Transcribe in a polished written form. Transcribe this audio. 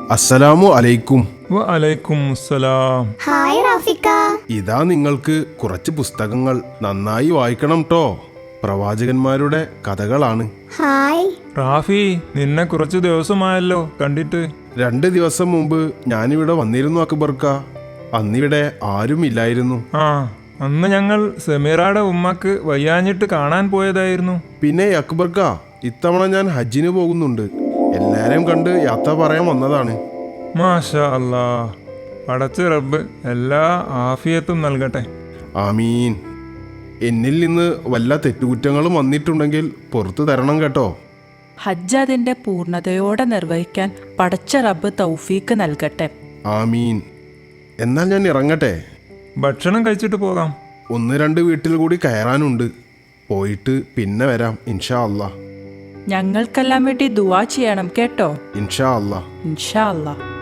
അസ്സലാമു അലൈക്കും. വഅലൈക്കും അസ്സലാം. ഹായ് റാഫിക്ക. ഇതാ നിങ്ങൾക്ക് കുറച്ച് പുസ്തകങ്ങൾ. നന്നായി വായിക്കണം ട്ടോ. പ്രവാചകന്മാരുടെ കഥകളാണ്. ഹായ്. റാഫി, നിന്നെ കുറച്ചു ദിവസമായല്ലോ കണ്ടിട്ട്. 2 ദിവസം മുമ്പ് ഞാനിവിടെ വന്നിരുന്നു അക്ബർക്ക. അന്നിവിടെ ആരുമില്ലായിരുന്നു. ആ, അന്ന് ഞങ്ങൾ സമീറയുടെ ഉമ്മക്ക് വയ്യാഞ്ഞിട്ട് കാണാൻ പോയതായിരുന്നു. പിന്നെ അക്ബർക്ക, ഇത്തവണ ഞാൻ ഹജ്ജിന് പോകുന്നുണ്ട്. എല്ലാരെയും കണ്ട് യാത്ര പറയാൻ വന്നതാണ്. മാഷാ അല്ലാ, പടച്ച റബ്ബ് എല്ലാ ആഫിയത്തും നൽകട്ടെ. ആമീൻ. എന്നിൽ നിന്ന് വല്ല തെറ്റുകുറ്റങ്ങളും വന്നിട്ടുണ്ടെങ്കിൽ പുറത്തു തരണം കേട്ടോ. ഹജ്ജ് അതിന്റെ പൂർണ്ണതയോടെ നിർവഹിക്കാൻ പടച്ച റബ്ബ് തൗഫീക്ക് നൽകട്ടെ. ആമീൻ. എന്നാൽ ഞാൻ ഇറങ്ങട്ടെ. ഭക്ഷണം കഴിച്ചിട്ട് പോകാം. 1-2 വീട്ടിൽ കൂടി കയറാനുണ്ട്. പോയിട്ട് പിന്നെ വരാം ഇൻഷാ അല്ലാ. ഞങ്ങൾക്കെല്ലാം വേണ്ടി ദുആ ചെയ്യണം കേട്ടോ. ഇൻഷാ അല്ലാ. ഇൻഷാ അല്ലാ.